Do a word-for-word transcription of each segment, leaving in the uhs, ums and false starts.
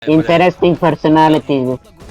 Interesting personality.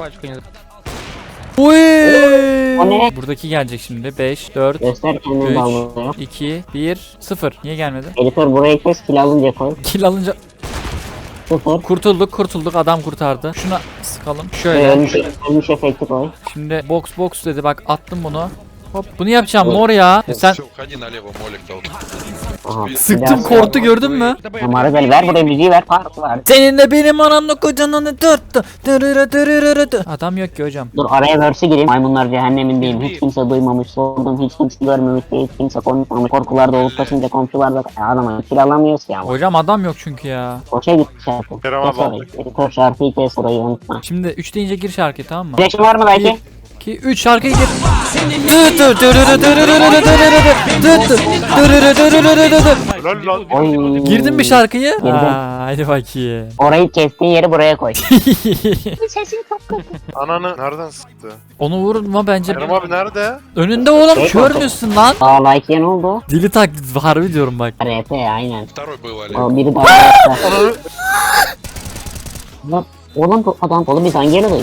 Uy! O ne? Buradaki gelecek şimdi. beş, dört, Göster kendini dalga. üç, iki, bir, sıfır. Niye gelmedi? Editör burayı kes, kill alınca koy. Kill alınca Sıfır. kurtulduk kurtulduk adam kurtardı. Şuna sıkalım. Ve Şöyle. ölmüş, ölmüş efekti koy. Şimdi box box dedi bak attım bunu. Hop bunu yapacağım mor ya. Sen Все, уходи налево, молик дал. Aha. sıktım korktu gördün mü? Numara ver, ver buraya müziği ver, part var. Seninle benim anamla kocananı dörttü. Dırırı dırırı dı. Adam yok ki hocam. Dur araya verse gireyim. Maymunlar cehennemindeyim. Hiç kimse duymamış, sordum. Hiç kimse görmemiş, hiç kimse konuşmamış. Korkularda olup taşınca komşularda adama kill alamıyoruz ya. Hocam adam yok çünkü ya. Boşa gitti şarkı. Kerem Kes abi orayı. Editör şarkıyı kes, burayı unutma. Şimdi üç deyince gir şarkı tamam mı? Flash'ın var mı belki? iki üç şarkıyı gir. Dı dı dırırı dırırı dırırı dırırı dı dı dırırı dırırı dı dı. Helal lan. Oy. Girdin mi şarkıyı? Girdim. Aa, hadi bakayım. Orayı kestiğin yeri buraya koy. Ananı nereden sıktı? Onu vurma bence. Kerem abi nerede? Önünde oğlum kör müsün lan? Aa like'ye ne oldu? Dili taklit harbi diyorum bak. R P aynen. Второй был, Олег. O biri daha yaptı. Lan oğlum bu adam oğlum biz hangi yere koyduk?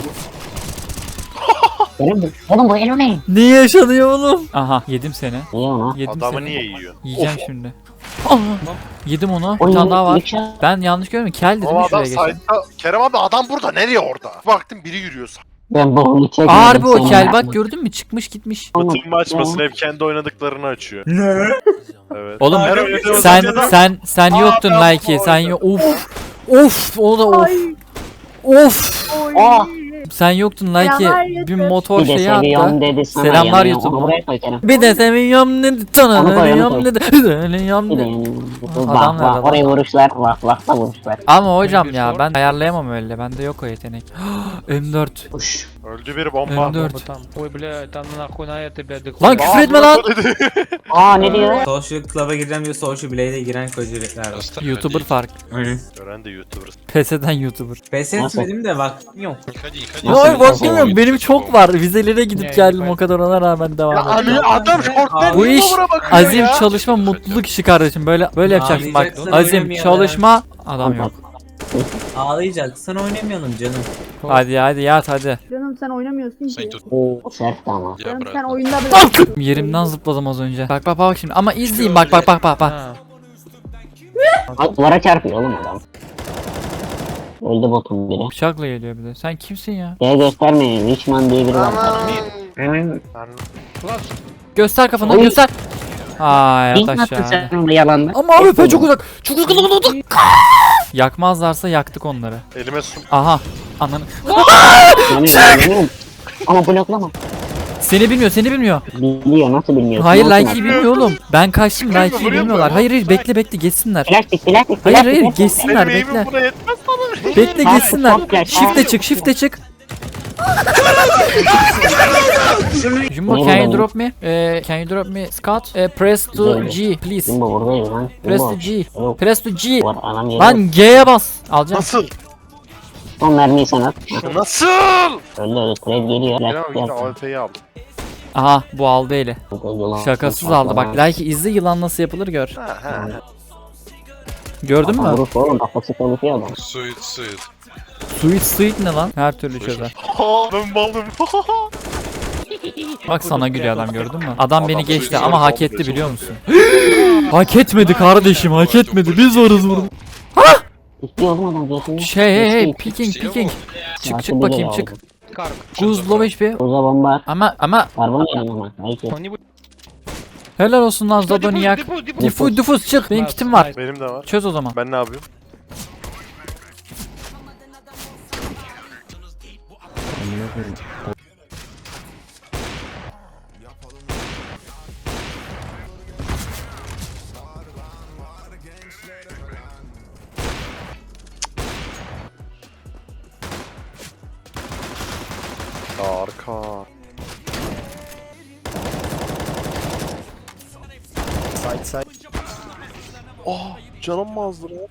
Oğlum bu, oğlum bu elo ne? Ne yaşanıyor oğlum? Aha yedim seni. Niye ona? Yedim Adamı seni. niye yiyor? Yiyeceğim şimdi. Aa, yedim onu. Bir Oy, tane daha var. ilk şa- Ben yanlış görmüyorum. Kel dedim Ama adam şuraya geçen. site'da. Kerem abi adam burada. Nereye orada? Baktım biri yürüyor. Ben bu çekmedim. Harbi o sen kel ya. bak gördün mü çıkmış gitmiş. Bütün açmasın hep kendi oynadıklarını açıyor. Ne? Evet. Oğlum Her oynadığımız sen oyunda- sen sen Aa, yoktun ben like bu sen oyunda. yok. Of. Of o da of. Of. Oh, Sen yoktun like Selamlar bir YouTube. motor bir de şeyi seviyorum attı. dedi sana. Selamlar yanıyor. YouTube. Onu buraya koy Kerem. Bir de seviyorum dedi Onu sana koy, onu seviyorum koy. dedi. Seviyorum Bir de dedi. yanıyor. Adam Vah nerede vah lan? oraya vuruşlar vah vah da vuruşlar. Ama hocam ya ben ayarlayamam öyle. Bende yok o yetenek. M dört. Uş. Öldü bir bomba. M dört. Там, ой, bля, там nахуй на это, блядь, Lan küfür etme lan. Aa ne diyor? Social Club'a gireceğim diyor, Social Blade'e giren kocalikler var. Оставь YouTuber людей. fark. Aynen. Gören de YouTuber. P S'den YouTuber. Pes etmedim de vaktim yok. Не ходи, не ходи. Nasıl Hayır bir kafa bakmıyorum benim çok var. Vizelere gidip Ne, geldim ben- o kadar ona rağmen devam ediyorum. Hani adam şorttan Bu niye iş duvara bakıyor azim, ya? çalışma, mutluluk işi kardeşim. Böyle böyle yapacaksın bak. Ağlayacaksın, Azim, oynamayan çalışma, adam yok. Ağlayacaksan oynamayalım canım. Hadi hadi yat hadi. Canım sen oynamıyorsun Sen ki. тут, Oo sert ama. я Canım sen обратно. oyunda bile. Yerimden zıpladım az önce. Bak bak bak şimdi ama izleyin bak bak bak bak bak. А, Ay, duvara çarpıyor oğlum adam. Öldü botun biri. Bıçakla geliyor bir de. Sen kimsin ya? Şeye göstermeyin. Richman diye biri var. Ben- Göster kafanı Oy. göster. Ay Ne yat yaptın aşağı. sen orada yalanla? Ama abi ben çok uzak. Çok uzak uzak. Yakmazlarsa yaktık onları. Elime su. Aha. Ananı. Yanıyorum, yanıyorum. Ama bloklama. Seni bilmiyor seni bilmiyor. Biliyor nasıl bilmiyor? Hayır Nasıl Like'yi bilmiyor oğlum. Ben kaçtım Like'yi bilmiyorlar. Hayır hayır bekle bekle geçsinler. Plastik plastik Hayır plastik. hayır plastik. geçsinler Benim bekle. eğimim buna yetmez bana. Bekle Tamam, geçsinler. tamam, gel. Shift'e çık shift'e çık. Jumbo Ne can you bu? drop me? Eh, can you drop me Scott? Eh, press to G please. Jumbo buradayım lan. Press Jumbo. to G. Yok. Press to G. Var anam yeri. Lan G'ye bas. Alacağım. Nasıl? Son mermiyi sen at. Nasıl? Öldü öldü. Trade geliyor. Kerem Plastik abi işte yapsın. A F P'yi al. Aha bu aldı eli. Yılan- Şakasız aldı bak. Like izle yılan nasıl yapılır gör. Ha ha. Gördün mü? Vuruş oğlum. Kafası çalışıyor adam. Сует, сует. Sweet sweet ne lan? Her türlü çözer. Ha ben baldım. Bak sana gülüyor adam gördün mü? Adam beni Adam geçti sweet ama sweet hak etti oldu, biliyor musun? Hak etmedi kardeşim hak etmedi. Biz varız burada. İstiyor oğlum adam zaten. Şey hey hey Geçti. picking picking. Çık Artı çık biri bakayım aldı. çık. Карк, Guz low H P. Uza bomba at. Ama ama Karbon yanım ama. Hayır. он не будет. helal olsun lan Zadoniak. Диффуз, диффуз, Difuz difuz çık. Benim kitim var. Benim de var. Çöz o zaman. Ben ne yapıyorum? Arka. Side side. Oh canım mı azdı lan?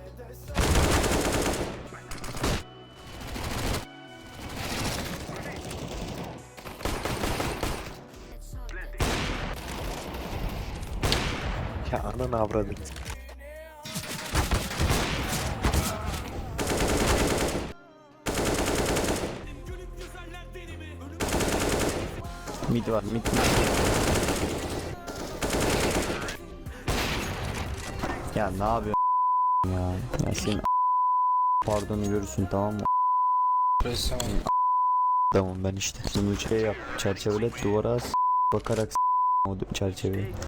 Ya ananı avradım. Mid var, mid mid. Ya ne yapıyorsun ya? Ya senin pardonu görürsün, tamam mı? Tamam ben işte. Bunu şey yap, çerçevele duvara as, bakarak o çerçeveyi.